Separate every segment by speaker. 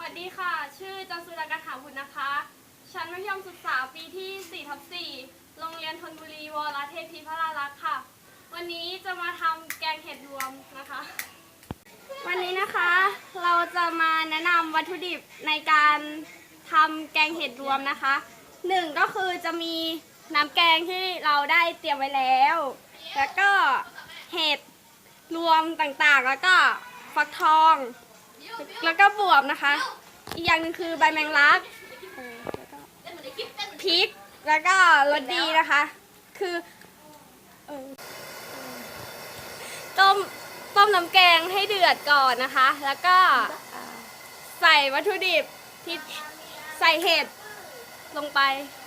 Speaker 1: วัสดีค่ะ ชื่อจันสุดากถาบุตรนะคะ ชั้นมัธยมศึกษาปีที่4/4โรงเรียนธนบุรีวรเทพีพรารักษ์ค่ะ วันนี้จะมาทำแกงเห็ดรวมนะคะ วันนี้นะคะเราจะมาแนะนำวัตถุดิบในการทำแกงเห็ดรวมนะคะหนึ่งก็คือจะมีน้ำแกงที่เราได้เตรียมไว้แล้ว แล้วก็เห็ดรวมต่างๆแล้วก็ฟักทองแล้วก็บวบนะคะอีกอย่างหนึ่งคือใบแมงลักพริกแล้วก็รสดีนะคะคือต้มน้ำแกงให้เดือดก่อนนะคะแล้วก็ใส่วัตถุดิบที่ใส่เห็ดลงไป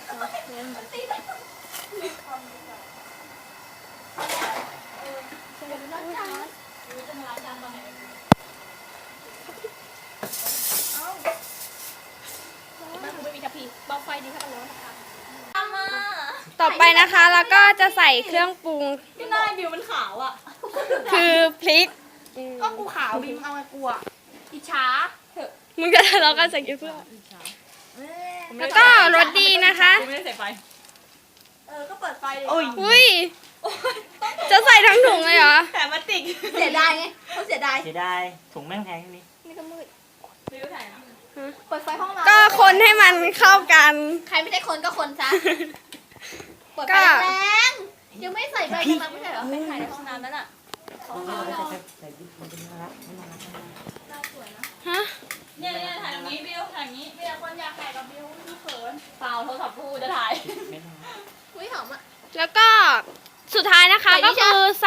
Speaker 1: ต่อไปนะคะแล้วก็จะใส่เครื่องปรุง
Speaker 2: ก็หน้าบิวมันขาวอ่ะ
Speaker 1: คือพริก
Speaker 2: ก็กูขาวบิวเอาไงกูอ่ะอิจฉาเถอะ
Speaker 1: มึงจะเราก็ใส่เพื่อแล้วก็รสดีนะคะ
Speaker 2: กูไม่ได้ใส่ไฟก็เปิดไฟเลย
Speaker 1: อุ้ยจะใส่ทั้งถุงเลยเหรอ
Speaker 2: แต่มาติก
Speaker 3: เสียดายไงเขาเสียดาย
Speaker 4: เสียดายถุงแม่งแพงนี่
Speaker 3: นี่ก็มืด
Speaker 2: บิวถ่ายนะ
Speaker 3: เปิดไฟห้องนอน
Speaker 1: ก็คนให้มันเข้ากัน
Speaker 3: ใครไม่ใช่คนก็คนซะเปิดไฟ
Speaker 1: ก็
Speaker 3: แรงยังไม่ใส่ใบกำลังไม่ใช่เหรอไม่ใส่ในห้องน้ำนั่นอ่ะ
Speaker 4: ใส่ดิบมันเป็นน่ารักไม่น่ารัก
Speaker 1: ฮะ
Speaker 2: เนี่ยถ่ายตรงนี้บิวถ่ายอย่างนี้มีแต่คนอยากถ่ายกับบิวไม่เขินเปล่าโทรศัพท์กูจะถ่าย
Speaker 4: ไม่น่ารัก
Speaker 3: อุ้ยหอมอ่ะ
Speaker 1: แล้วก็สุดท้ายนะคะ
Speaker 3: ใส่นี่
Speaker 1: ก็คือใส่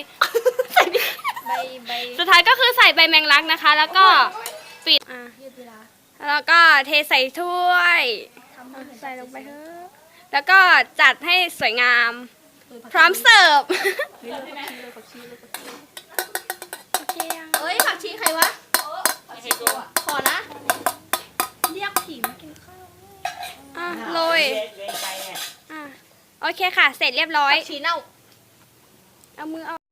Speaker 3: ใบ
Speaker 1: สุดท้ายก็คือใส่ใบแมงลักนะคะ แล้วก็ปิด
Speaker 3: ยืดเวลา
Speaker 1: แล้วก็เทใส่ถ้วยใส่ลงไปเถอะแล้วก็จัดให้สวยงาม พร้อมเสิร์ฟโอเคยัง
Speaker 3: เอ้ยผักชีใครวะขอนะเรียกผีมากินข้าว
Speaker 1: โรย
Speaker 4: เวงไปเนี่ย
Speaker 1: โอเคค่ะ เสร็จเรียบร้อย
Speaker 3: ผักชีเน่า
Speaker 1: เอามือเอา